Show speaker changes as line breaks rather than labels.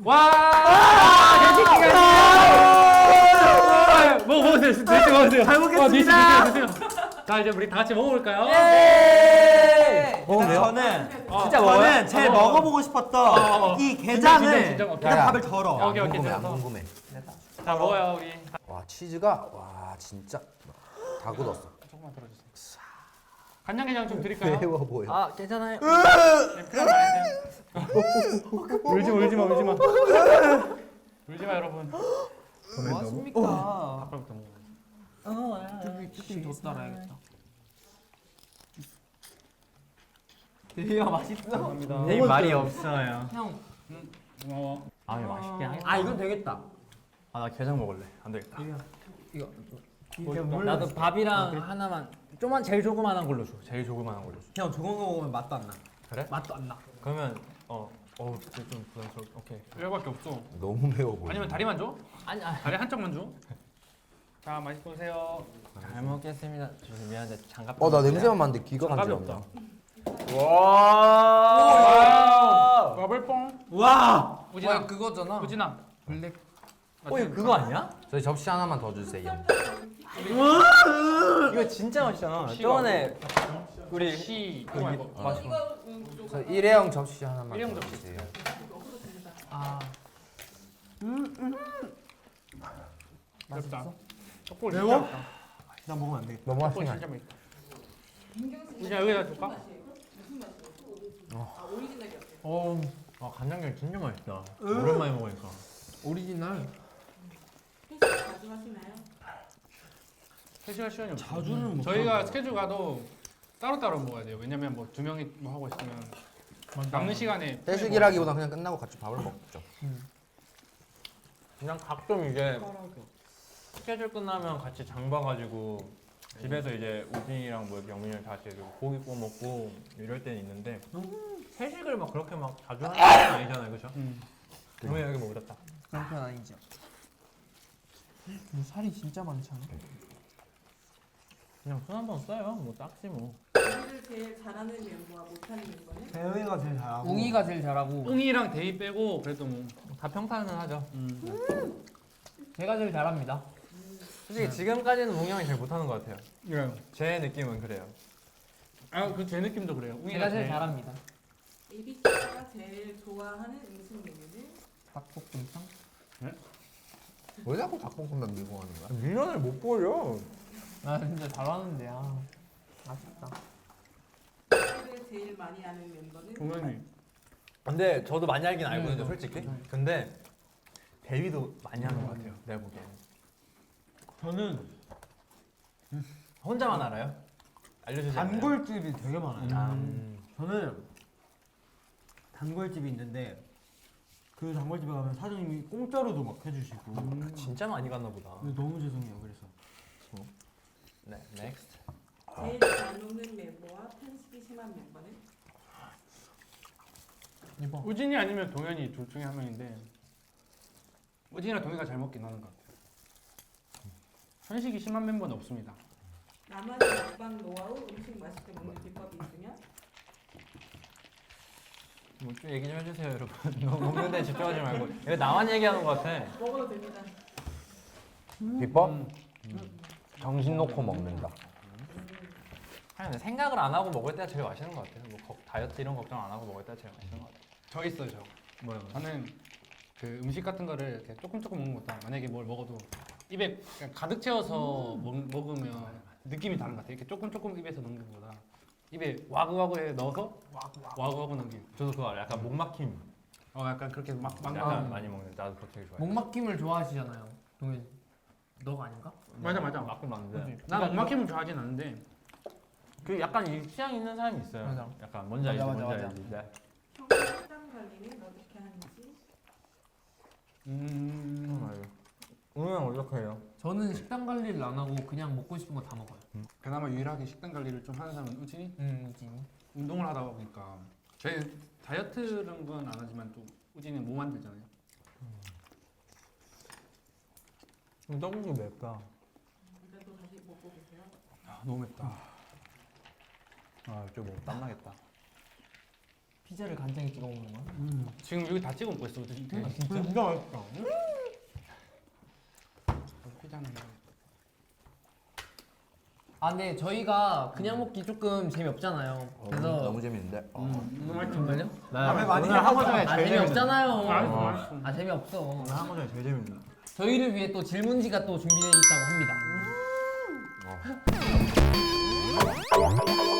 먹어보세요. 드시고 먹으세요.
잘 먹겠습니다.
드세요. 자, 이제 우리 다 같이 먹어볼까요?
먹으세요? 저는 제일 먹어보고 싶었던 이 게장을
진짜.
일단 밥을 덜어.
오케이.
안 궁금해.
자, 먹어요, 우리.
와 치즈가 와 진짜 다 굳었어.
조금만 덜어주세요. 간장게장 좀 드릴까요?
매워 보여.
아 괜찮아요.
울지마. 울지마, 여러분.
뭐 하십니까?
아까부터 먹어.
조금 더 따라야겠다. 되게 맛있어.
감사합니다.
네, 말이 없어요.
형.
고마워.
아, 이거 맛있게 하겠다.
아 이건 되겠다.
아, 나 게장 먹을래. 안 되겠다.
나도 밥이랑 하나만.
좀만 제일 조그만한 걸로 줘. 제일 조그만한 걸로 줘.
형 저거 먹으면 맛도 안 나.
그래?
맛도 안 나.
그러면 진짜 좀 부담스러워. 오케이.
이거밖에 없어.
너무 매워 보여.
아니면 다리만 줘?
아니
다리 한쪽만 줘? 자, 맛있게 보세요.
잘 먹겠습니다. 미안한데 장갑.
나 냄새만 맡는데 귀가
장갑이
간지럽다.
와.
버블뽕.
와.
우진아.
그거잖아.
우진아.
블랙.
이거 그거 아니야?
저희 접시 하나만 더 주세요.
이거 진짜 맛있잖아.
시가
저번에 우리
시.
그 맛있어.
저 일회용 접시 하나만
일회용
더
접시.
주세요.
맛있다. 떡볶이
매워?
진짜 맛있다.
나 먹으면 안 되겠다.
너무
떡볶이
맛있네.
진짜 맛있다. 우진아, 여기다 줄까?
간장게장 진짜 맛있다. 오랜만에 먹으니까.
오리지널.
자주 하시나요?
3시간 시간이 없어.
자주는 못
저희가
하고.
스케줄 가도 따로따로 먹어야 돼요. 왜냐면 뭐 2명이 뭐 하고 있으면 남는 시간에
회식이라기보다 그냥 끝나고 같이 밥을 먹죠.
그냥 가끔 이제 스케줄 끝나면 같이 장 봐가지고 집에서 이제 우진이랑 뭐 영민이랑 같이 이렇게 고기 구워 먹고 이럴 때는 있는데 회식을 막 그렇게 막 자주 하는 건 아니잖아요, 그렇죠? 영민이 여기 뭐 울었다.
그런 편 아니죠. 근데 살이 진짜 많지 않아?
그냥 손 한 번 써요, 뭐 딱지 뭐.
요리를 제일 잘하는 멤버와 못하는 멤버는?
대회가 제일 잘하고.
웅이가 제일 잘하고
웅이랑 데이 빼고 그래도 뭐
다 평타는 하죠.
제가 제일 잘합니다.
솔직히 지금까지는 웅이 형이 제일 못하는 것 같아요.
그래요.
제 느낌은 그래요.
그 제 느낌도 그래요. 웅이가
제가 제일 잘합니다.
ABC가 제일 좋아하는 음식 메뉴는?
닭볶음탕?
왜 자꾸 닭볶음면 밀고 가는 거야?
밀면을 못 보여.
나 진짜 잘하는데 아쉽다.
요리를 제일 많이 하는 멤버는?
동현이.
근데 저도 많이 알긴 알거든요, 솔직히. 근데 대위도 많이 하는 것 같아요, 내가 보기에는.
저는
혼자만 알아요? 알려주지 않나요?
단골집이 되게 많아요.
아,
저는 단골집이 있는데 그 단골집에 가면 사장님이 공짜로도 막 해주시고.
진짜 많이 갔나 보다.
근데 너무 죄송해요. 그래서.
네, 넥스트.
제일 잘 노는 멤버와 편식이 심한 멤버는?
우진이 아니면 동현이 둘 중에 한 명인데 우진이랑 동현이가 잘 먹긴 하는 것 같아요. 현식이 심한 멤버는 없습니다.
나만의 먹방 노하우, 음식 맛있게 먹는 비법이 있으면?
뭐 좀 얘기 좀 해주세요, 여러분. 너무 먹는 데 집중하지 말고. 이거 나만 얘기하는 것 같아.
먹어도 됩니다.
비법? 정신 놓고 먹는다.
그냥 생각을 안 하고 먹을 때가 제일 맛있는 것 같아요. 뭐 다이어트 이런 걱정 안 하고 먹을 때가 제일 맛있는 것 같아요.
저 있어요, 저.
뭐요?
저는 그 음식 같은 거를 이렇게 조금 먹는 것보다 만약에 뭘 먹어도 입에 그냥 가득 채워서 먹으면 느낌이 다른 것 같아요. 이렇게 조금 입에서 넣는 것보다 입에 와그와그에 넣어서 와그와그 넘기고.
저도 그거 알아요. 약간 목 막힘.
약간 그렇게 막
약간 많이 먹는. 나도 그거 되게 좋아해.
목 막힘을 좋아하시잖아요. 동현 너가 아닌가?
맞아.
막힘 맞는데.
난 엉막힘을 좋아하진 않는데
그 약간 이 취향 있는 사람이 있어요.
맞아.
약간 뭔지 알지,
맞아,
뭔지
맞아.
알지. 네.
평소 식단 관리는 어떻게 하는지?
오늘 어떻게 해요?
저는 식단 관리를 안 하고 그냥 먹고 싶은 거 다 먹어요.
그나마 유일하게 식단 관리를 좀 하는 사람은 우진이?
진.
운동을 하다 보니까 저희 다이어트는 건 안 하지만 또 우진이는 뭐 만들잖아요.
떡국이 맵다.
그래도 다시 먹고 계세요?
너무 맵다.
좀 땀나겠다.
피자를 간장에 찍어 먹는 거야?
지금 여기 다 찍어 먹고 있어. 진짜
진짜?
진짜 맛있다.
피자는
아 근데 저희가 그냥 먹기 조금 재미없잖아요. 그래서
너무 재밌는데.
정말요?
다음에 많이
오늘 한 거 중에
아
제일
재미없잖아요.
맛있어, 맛있어.
아 재미없어.
오늘 한 거 중에 제일 재밌는.
저희를 위해 또 질문지가 또 준비되어 있다고 합니다.